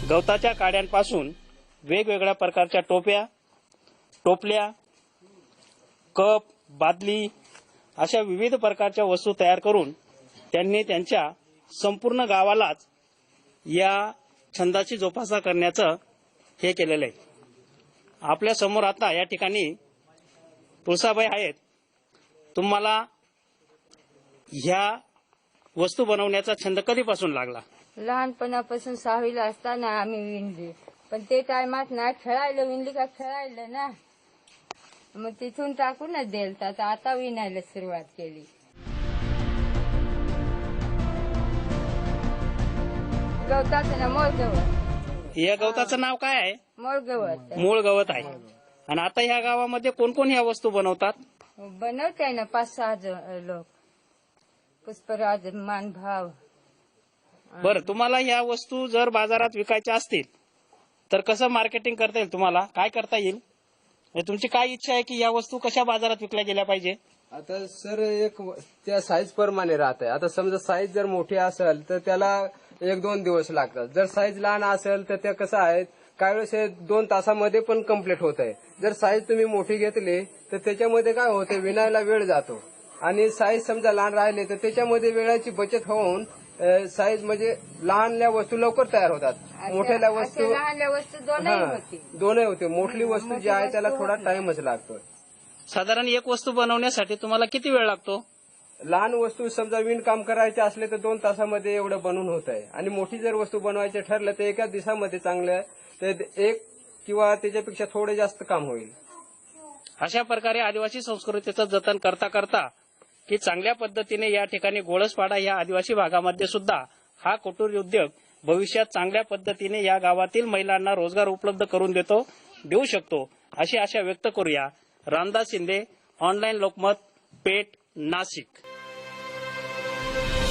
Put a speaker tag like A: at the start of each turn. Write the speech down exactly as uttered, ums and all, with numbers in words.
A: गवताच्या काड्यांपासून वेगवेगळ्या प्रकारच्या टोप्या, टोपल्या, कप, बादली अशा विविध प्रकारच्या वस्तू तयार करून त्यांनी त्यांच्या संपूर्ण गावालाच या छंदाची जोपासना करण्याचं हे केलेलं आहे. आपल्या समोर आता या ठिकाणी तुळसाबाई आहेत. तुम्हाला ह्या वस्तू बनवण्याचा छंद कधीपासून लागला?
B: लहानपणापासून सहावीला असताना आम्ही विणली, पण ते टायमात ना खेळायला विणली का खेळायला ना, मग तिथून टाकूनच देलता. आता विणायला सुरुवात केली. गवताचं ना मूळ गवत.
A: या गवताचं नाव काय आहे?
B: मूळ गवत.
A: मूळ गवत आहे. आणि आता ह्या गावामध्ये कोण कोण ह्या वस्तू बनवतात?
B: बनवते ना पाच सहा जण लोक. पुष्पराज, मानभाव.
A: बरं, तुम्हाला ह्या वस्तू जर बाजारात विकायच्या असतील तर कसं मार्केटिंग करता येईल? तुम्हाला काय करता येईल? म्हणजे तुमची काय इच्छा आहे की या वस्तू कशा बाजारात विकल्या गेल्या पाहिजे?
C: आता सर एक त्या साईज प्रमाणे राहत आहे. आता समजा साईज जर मोठी असेल तर त्याला एक दोन दिवस लागतात. जर साईज लहान असेल तर त्या कसं आहे काही वेळेस हे दोन तासामध्ये पण कम्प्लीट होत आहे. जर साईज तुम्ही मोठी घेतली तर त्याच्यामध्ये काय होते, विणायला वेळ जातो. आणि साईज समजा लहान राहिले तर त्याच्यामध्ये वेळाची बचत होऊन साईज म्हणजे लहानल्या वस्तू लवकर तयार होतात. मोठ्या वस्तू
B: लहान वस्तू दोनही होती.
C: दोनही होते. मोठी वस्तू जी आहे त्याला थोडा टाइमच लागतो.
A: साधारण एक वस्तू बनवण्यासाठी तुम्हाला किती वेळ लागतो?
C: लहान वस्तू समजा विणकाम करायचे असले तर दोन तासामध्ये एवढं बनवून होत आहे. आणि मोठी जर वस्तू बनवायची ठरलं तर एका दिवसामध्ये चांगलं तर एक किंवा त्याच्यापेक्षा थोडं जास्त काम होईल.
A: अशा प्रकारे आदिवासी संस्कृतीचं जतन करता करता की चांगल्या पद्धतीने या ठिकाणी गोळसपाडा या आदिवासी भागामध्ये सुद्धा हा कुटीर उद्योग भविष्यात चांगल्या पद्धतीने या गावातील महिलांना रोजगार उपलब्ध करून देतो देऊ शकतो अशी आशा व्यक्त करूया. रामदास शिंदे, ऑनलाईन लोकमत, पेठ, नाशिक.